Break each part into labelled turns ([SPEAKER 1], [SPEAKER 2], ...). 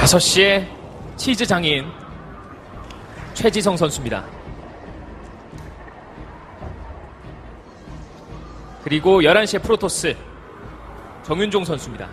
[SPEAKER 1] 5시에 치즈 장인 최지성 선수입니다. 그리고 11시에 프로토스 정윤종 선수입니다.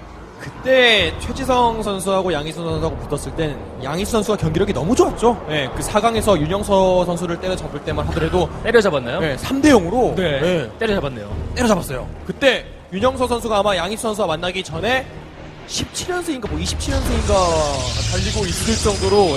[SPEAKER 2] 그때 최지성 선수하고 양희수 선수하고 붙었을 땐 양희수 선수가 경기력이 너무 좋았죠. 네, 그 4강에서 윤영서 선수를 때려잡을 때만 하더라도
[SPEAKER 1] 때려잡았나요?
[SPEAKER 2] 네, 3대 0으로
[SPEAKER 1] 네, 때려잡았네요.
[SPEAKER 2] 때려잡았어요. 그때 윤영서 선수가 아마 양희수 선수와 만나기 전에 17연승인가 뭐 27연승인가 달리고 있을 정도로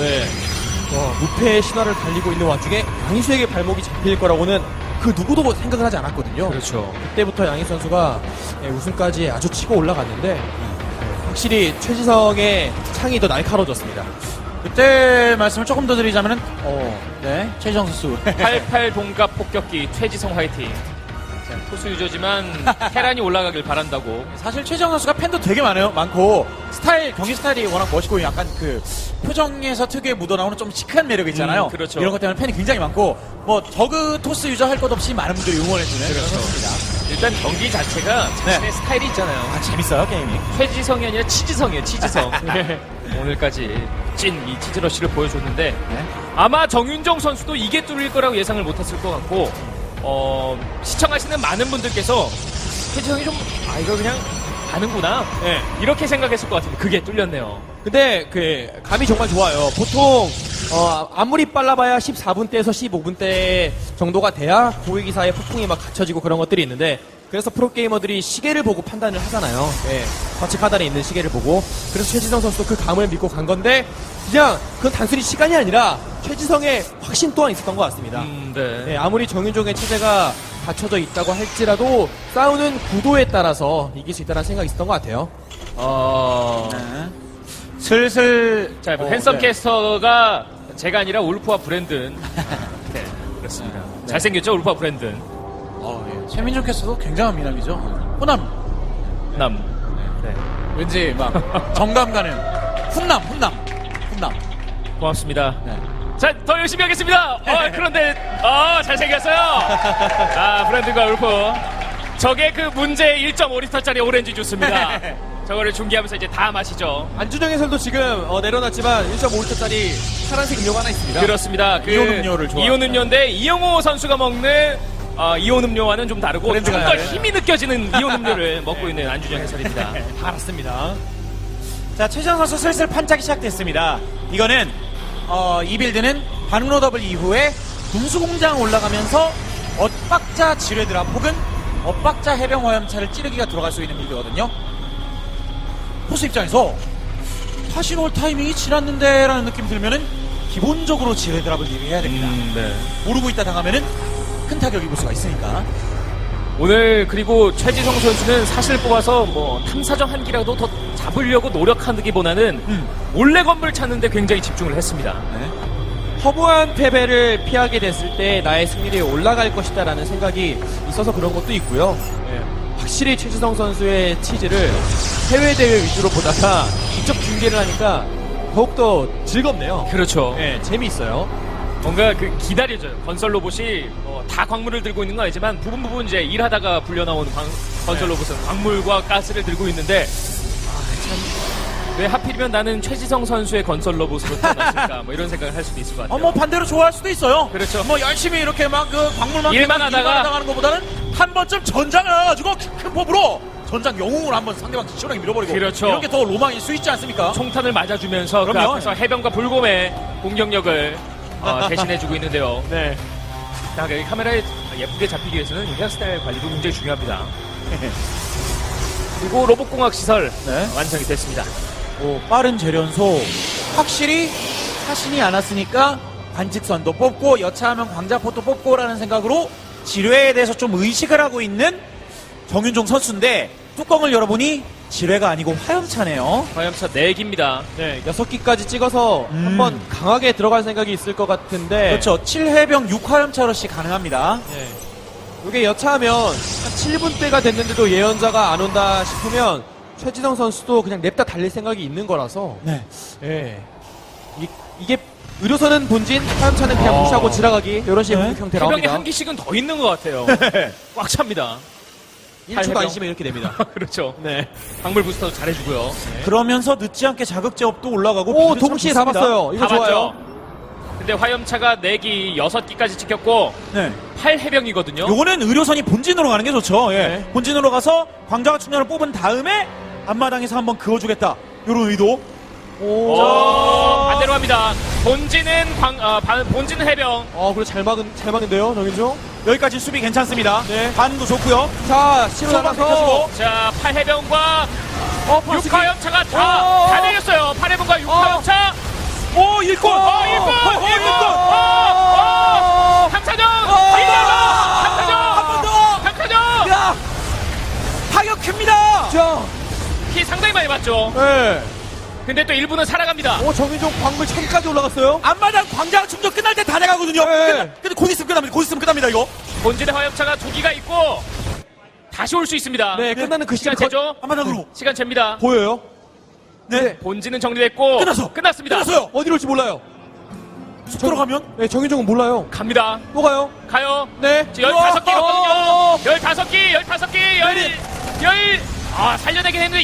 [SPEAKER 2] 무패의 신화를 달리고 있는 와중에 양희수에게 발목이 잡힐 거라고는 그 누구도 생각을 하지 않았거든요.
[SPEAKER 1] 그렇죠.
[SPEAKER 2] 그때부터 양희수 선수가 우승까지 아주 치고 올라갔는데 확실히 최지성의 창이 더 날카로워졌습니다.
[SPEAKER 3] 그때 말씀을 조금 더 드리자면은 네, 최지성 선수
[SPEAKER 1] 88 동갑 폭격기 최지성 화이팅. 자, 투수 유저지만 테란이 올라가길 바란다고.
[SPEAKER 3] 사실 최지성 선수가 팬도 되게 많고 경기 스타일이 워낙 멋있고 약간 그 표정에서 특유의 묻어나오는 좀 시크한 매력이 있잖아요.
[SPEAKER 1] 그렇죠.
[SPEAKER 3] 이런 것 때문에 팬이 굉장히 많고 뭐 저그 토스 유저 할 것 없이 많은 분들이 응원해주는 그런
[SPEAKER 1] 그렇죠.
[SPEAKER 3] 선수입니다.
[SPEAKER 1] 일단 경기 자체가 자신의 스타일이 있잖아요.
[SPEAKER 3] 아 재밌어요 게임이.
[SPEAKER 1] 최지성이 아니라 치지성이에요. 치지성. 오늘까지 찐 이 치즈러쉬를 보여줬는데
[SPEAKER 3] 네.
[SPEAKER 1] 아마 정윤정 선수도 이게 뚫릴 거라고 예상을 못했을 것 같고 시청하시는 많은 분들께서 최지성이 좀 이거 그냥 가는구나 이렇게 생각했을 것 같은데 그게 뚫렸네요.
[SPEAKER 2] 근데 그 감이 정말 좋아요. 보통 아무리 빨라봐야 14분대에서 15분대 정도가 돼야 고위기사의 폭풍이 막 갖춰지고 그런 것들이 있는데 그래서 프로게이머들이 시계를 보고 판단을 하잖아요. 좌측 하단에 있는 시계를 보고 그래서 최지성 선수도 그 감을 믿고 간 건데 그냥 그건 단순히 시간이 아니라 최지성의 확신 또한 있었던 것 같습니다.
[SPEAKER 1] 네.
[SPEAKER 2] 아무리 정윤종의 체제가 갖춰져 있다고 할지라도 싸우는 구도에 따라서 이길 수 있다는 생각이 있었던 것 같아요.
[SPEAKER 3] 네. 슬슬
[SPEAKER 1] 자, 핸섬
[SPEAKER 3] 네.
[SPEAKER 1] 캐스터가 제가 아니라 울프와 브랜든. 네, 그렇습니다. 잘생겼죠, 울프와 브랜든.
[SPEAKER 3] 예. 최민종 캐스터도 굉장한 미남이죠. 호남
[SPEAKER 1] 남. 네.
[SPEAKER 3] 왠지 막 정감 가는 훈남.
[SPEAKER 1] 고맙습니다.
[SPEAKER 3] 네.
[SPEAKER 1] 자, 더 열심히 하겠습니다. 그런데, 잘생겼어요. 브랜든과 울프. 저게 그 문제 1.5리터짜리 오렌지 주스입니다. 저거를 중계하면서 이제 다 마시죠.
[SPEAKER 2] 안준영 해설도 지금 내려놨지만 1.5리터짜리 파란색 음료가 하나 있습니다.
[SPEAKER 1] 그렇습니다. 그
[SPEAKER 3] 이온 음료를 좋아합니다.
[SPEAKER 1] 이온 음료인데 이영호 선수가 먹는 이온 음료와는 좀 다르고 좀
[SPEAKER 3] 브랜드가
[SPEAKER 1] 더
[SPEAKER 3] 다르네요.
[SPEAKER 1] 힘이 느껴지는 이온 음료를 먹고 있는 안준영 해설입니다.
[SPEAKER 2] 다 알았습니다.
[SPEAKER 3] 자, 최지성 선수 슬슬 판짝이 시작됐습니다. 이거는 이 빌드는 반응로 더블 이후에 군수공장 올라가면서 엇박자 지뢰드랍 혹은 엇박자 해병 화염차를 찌르기가 들어갈 수 있는 빌드거든요. 포스 입장에서 사실 올 타이밍이 지났는데 라는 느낌이 들면은 기본적으로 지뢰드랍을 미리 해야 됩니다.
[SPEAKER 1] 네.
[SPEAKER 3] 모르고 있다 당하면은 큰 타격 입을 수가 있으니까.
[SPEAKER 1] 오늘 그리고 최지성 선수는 사실 뽑아서 뭐 탐사정 한 기라도 더 잡으려고 노력하기보다는 몰래 건물 찾는데 굉장히 집중을 했습니다.
[SPEAKER 3] 네.
[SPEAKER 2] 허무한 패배를 피하게 됐을 때 나의 승률이 올라갈 것이다라는 생각이 있어서 그런 것도 있고요. 확실히 최지성 선수의 치즈를 해외 대회 위주로 보다가 직접 중계를 하니까 더욱더 즐겁네요.
[SPEAKER 1] 그렇죠.
[SPEAKER 2] 재미있어요.
[SPEAKER 1] 뭔가 그 기다려져요. 건설 로봇이 다 광물을 들고 있는 건 아니지만 부분 이제 일하다가 불려 나오는 건설 로봇은 광물과 가스를 들고 있는데 왜 하필이면 나는 최지성 선수의 건설 로봇으로 태어났을까 뭐 이런 생각을 할 수도 있을 것 같아요.
[SPEAKER 3] 뭐 반대로 좋아할 수도 있어요.
[SPEAKER 1] 그렇죠.
[SPEAKER 3] 뭐 열심히 이렇게 막 그 광물만
[SPEAKER 1] 일만
[SPEAKER 3] 캐고
[SPEAKER 1] 하다가
[SPEAKER 3] 하는 것보다는 한 번쯤 전장을 해가지고 큰 법으로 전장 영웅을 한번 상대방 시원하게 밀어버리고
[SPEAKER 1] 그렇죠.
[SPEAKER 3] 이런 게 더 로망일 수 있지 않습니까?
[SPEAKER 1] 총탄을 맞아주면서 그
[SPEAKER 3] 그럼요.
[SPEAKER 1] 앞에서 해병과 불곰의 공격력을 대신해주고 있는데요.
[SPEAKER 2] 네.
[SPEAKER 1] 자, 여기 카메라에 예쁘게 잡히기 위해서는 헤어스타일 관리도 굉장히 중요합니다. 그리고 로봇공학 시설
[SPEAKER 3] 네.
[SPEAKER 1] 완성이 됐습니다.
[SPEAKER 3] 빠른 재련소 확실히 사신이 않았으니까 관직선도 뽑고 여차하면 광자포도 뽑고라는 생각으로 지뢰에 대해서 좀 의식을 하고 있는 정윤종 선수인데 뚜껑을 열어보니 지뢰가 아니고 화염차네요.
[SPEAKER 1] 화염차 4기입니다.
[SPEAKER 2] 네, 6기까지 찍어서 한번 강하게 들어갈 생각이 있을 것 같은데.
[SPEAKER 3] 그렇죠. 7해병 6화염차 러시 가능합니다.
[SPEAKER 2] 네. 이게 여차하면 한 7분 때가 됐는데도 예언자가 안 온다 싶으면 최지성 선수도 그냥 냅다 달릴 생각이 있는 거라서.
[SPEAKER 3] 네.
[SPEAKER 2] 예. 이게 의료선은 본진, 화염차는 그냥 무시하고 지나가기 이런 식의
[SPEAKER 3] 네.
[SPEAKER 2] 공격 형태
[SPEAKER 1] 해병에
[SPEAKER 2] 나옵니다.
[SPEAKER 1] 한 기씩은 더 있는 것 같아요. 꽉 찹니다.
[SPEAKER 2] 1초도
[SPEAKER 1] 해병.
[SPEAKER 2] 안 쉬면 이렇게 됩니다.
[SPEAKER 1] 그렇죠.
[SPEAKER 2] 네.
[SPEAKER 1] 광물 부스터도 잘해주고요. 네.
[SPEAKER 3] 그러면서 늦지 않게 자극 제압도 올라가고
[SPEAKER 2] 오,
[SPEAKER 3] 빌드 참
[SPEAKER 2] 동시에 다
[SPEAKER 3] 좋습니다.
[SPEAKER 2] 봤어요. 이거
[SPEAKER 1] 다
[SPEAKER 2] 좋아요.
[SPEAKER 1] 맞죠? 근데 화염차가 4기, 6기까지 찍혔고
[SPEAKER 3] 네.
[SPEAKER 1] 8해병이거든요.
[SPEAKER 3] 요거는 의료선이 본진으로 가는 게 좋죠. 예.
[SPEAKER 1] 네.
[SPEAKER 3] 본진으로 가서 광자가 충전을 뽑은 다음에 앞마당에서 한번 그어주겠다. 요런 의도.
[SPEAKER 1] 반대로 합니다. 본진은 본진은 해병.
[SPEAKER 2] 그래 잘 막은데요, 정인종.
[SPEAKER 3] 여기까지 수비 괜찮습니다.
[SPEAKER 2] 네.
[SPEAKER 3] 반도 좋고요.
[SPEAKER 2] 자, 시로
[SPEAKER 3] 소방
[SPEAKER 2] 나가서.
[SPEAKER 3] 펴주고.
[SPEAKER 1] 자, 8해병과
[SPEAKER 2] 파수기.
[SPEAKER 1] 6화염차가 다 내렸어요. 8해병과 6화염차.
[SPEAKER 3] 오, 일골!
[SPEAKER 1] 일꾼! 강사정!
[SPEAKER 3] 한 번 더!
[SPEAKER 1] 강사정!
[SPEAKER 3] 야! 타격 큽니다!
[SPEAKER 2] 자,
[SPEAKER 1] 피 상당히 많이 맞죠.
[SPEAKER 2] 네.
[SPEAKER 1] 근데 또 일부는 살아갑니다.
[SPEAKER 2] 정인종 광물 1000까지 올라갔어요.
[SPEAKER 3] 앞마당 광장 충전 끝날 때 다 돼가거든요.
[SPEAKER 2] 네.
[SPEAKER 3] 근데 곧 있으면 끝납니다. 곧 있으면 끝납니다, 이거.
[SPEAKER 1] 본진의 화염차가 2기가 있고 다시 올 수 있습니다.
[SPEAKER 2] 네, 끝나는 그
[SPEAKER 1] 시간
[SPEAKER 2] 시간
[SPEAKER 1] 재죠?
[SPEAKER 3] 앞마당으로.
[SPEAKER 1] 시간 잽니다.
[SPEAKER 2] 보여요?
[SPEAKER 3] 네.
[SPEAKER 1] 본진은 정리됐고 끝났습니다.
[SPEAKER 3] 끝났어요.
[SPEAKER 2] 어디로 올지 몰라요.
[SPEAKER 3] 쑥 들어가면?
[SPEAKER 2] 네, 정인종은 몰라요.
[SPEAKER 1] 갑니다.
[SPEAKER 2] 또 가요?
[SPEAKER 1] 가요.
[SPEAKER 2] 네.
[SPEAKER 1] 지금 15기거든요. 15기. 살려내긴 했는데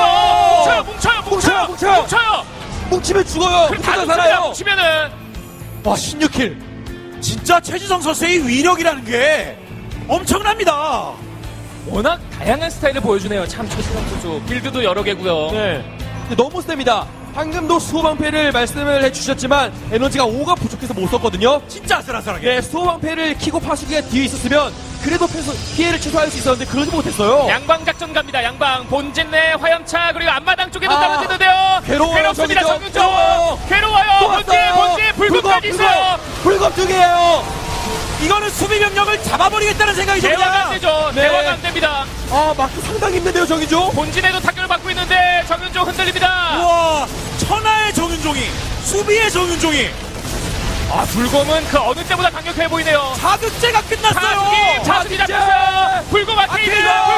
[SPEAKER 1] 뭉쳐요.
[SPEAKER 2] 뭉치면 죽어요.
[SPEAKER 1] 그럼 다
[SPEAKER 2] 뭉치면
[SPEAKER 1] 죽습니다.
[SPEAKER 2] 살아요.
[SPEAKER 1] 뭉치면은
[SPEAKER 2] 와, 16킬.
[SPEAKER 3] 진짜 최지성 선수의 위력이라는 게 엄청납니다.
[SPEAKER 1] 워낙 다양한 스타일을 보여주네요. 참 최승현 선수. 빌드도 여러 개고요.
[SPEAKER 2] 네. 근데 너무 셉니다. 방금도 수호방패를 말씀을 해주셨지만 에너지가 5가 부족해서 못 썼거든요.
[SPEAKER 3] 진짜 아슬아슬하게.
[SPEAKER 2] 네, 수호방패를 키고 파수기가 뒤에 있었으면 그래도 피해를 최소화할 수 있었는데 그러지 못했어요.
[SPEAKER 1] 양방 작전 갑니다. 양방 본진 내 화염차 그리고 앞마당 쪽에도 떨어지는데요.
[SPEAKER 2] 괴로워요,
[SPEAKER 1] 괴롭습니다.
[SPEAKER 2] 정윤정.
[SPEAKER 1] 정윤정. 괴로워요. 본진 불금까지 있어요.
[SPEAKER 2] 불금 두 개예요.
[SPEAKER 3] 이거는 수비 병력을 잡아버리겠다는 생각이
[SPEAKER 1] 대화가 안
[SPEAKER 3] 듭니다.
[SPEAKER 1] 되죠.
[SPEAKER 2] 네.
[SPEAKER 1] 대화가 안 됩니다.
[SPEAKER 2] 막기 상당히 힘든데요, 정인종.
[SPEAKER 1] 본진에도 타격을 받고 있는데 정윤정 흔들립니다.
[SPEAKER 3] 우와, 천하의 정윤종이, 수비의 정윤종이
[SPEAKER 1] 불검은 그 어느 때보다 강력해 보이네요.
[SPEAKER 3] 자극제가 끝났어요.
[SPEAKER 1] 자수기 잡혔어요. 불검 아테이드.